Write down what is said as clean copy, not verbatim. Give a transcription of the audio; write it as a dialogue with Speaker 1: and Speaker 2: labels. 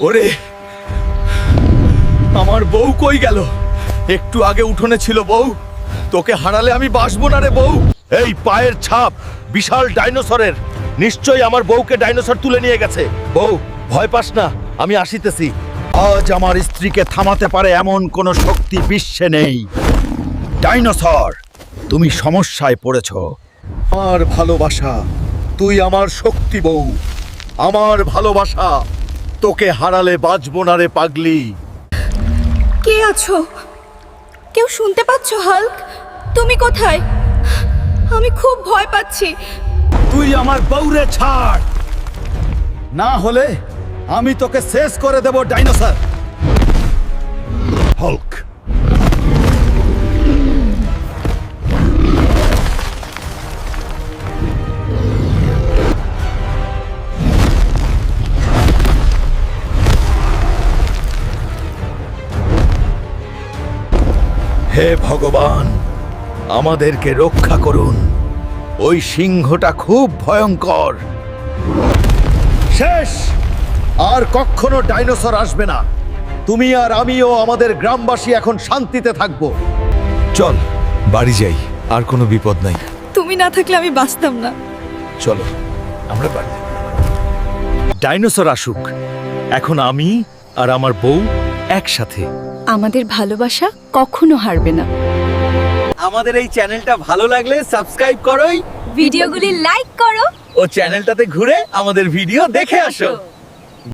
Speaker 1: ওরে, আমার বউ কই গেল? একটু আগে উঠোনে ছিল বউ। তোকে হারালে আমি বাঁচবো না রে বউ। এই পায়ের ছাপ বিশাল ডাইনোসরের, নিশ্চয়ই আমার বউকে ডাইনোসর তুলে নিয়ে গেছে। বউ, ভয় পাস না, আমি আসিতেছি। আজ আমার স্ত্রীকে থামাতে পারে এমন কোনো শক্তি বিশ্বে নেই। ডাইনোসর, তুমি সমস্যায় পড়েছ। আমার ভালোবাসা, তুই আমার শক্তি বউ। আমার ভালোবাসা, তোকে হারালে বাঁচবো না রে পাগলি।
Speaker 2: কে আছো? কেউ শুনতে পাচ্ছ হাল্ক? তুমি কোথায়? আমি খুব ভয় পাচ্ছি।
Speaker 1: তুই আমার বউরে ছাড়, না হলে আমি তোকে শেষ করে দেব ডাইনোসর। হাল্ক, হে ভগবান, আমাদেরকে রক্ষা করুন। ওই সিংহটা খুব ভয়ঙ্কর। শেষ, আর কখনো ডাইনোসর আসবে না। তুমি আর আমিও আমাদের গ্রামবাসী এখন শান্তিতে থাকবো। চল বাড়ি যাই, আর কোনো বিপদ নাই।
Speaker 2: তুমি না থাকলে আমি বাঁচতাম না।
Speaker 1: চলো আমরা বাড়ি। ডাইনোসর আসুক, এখন আমি আর আমার বউ একসাথে।
Speaker 2: আমাদের ভালোবাসা কখনো হারবে না।
Speaker 1: আমাদের এই চ্যানেলটা ভালো লাগলে সাবস্ক্রাইব করোই,
Speaker 2: ভিডিওগুলি লাইক করো
Speaker 1: ও চ্যানেলটাতে ঘুরে আমাদের ভিডিও দেখে আসো।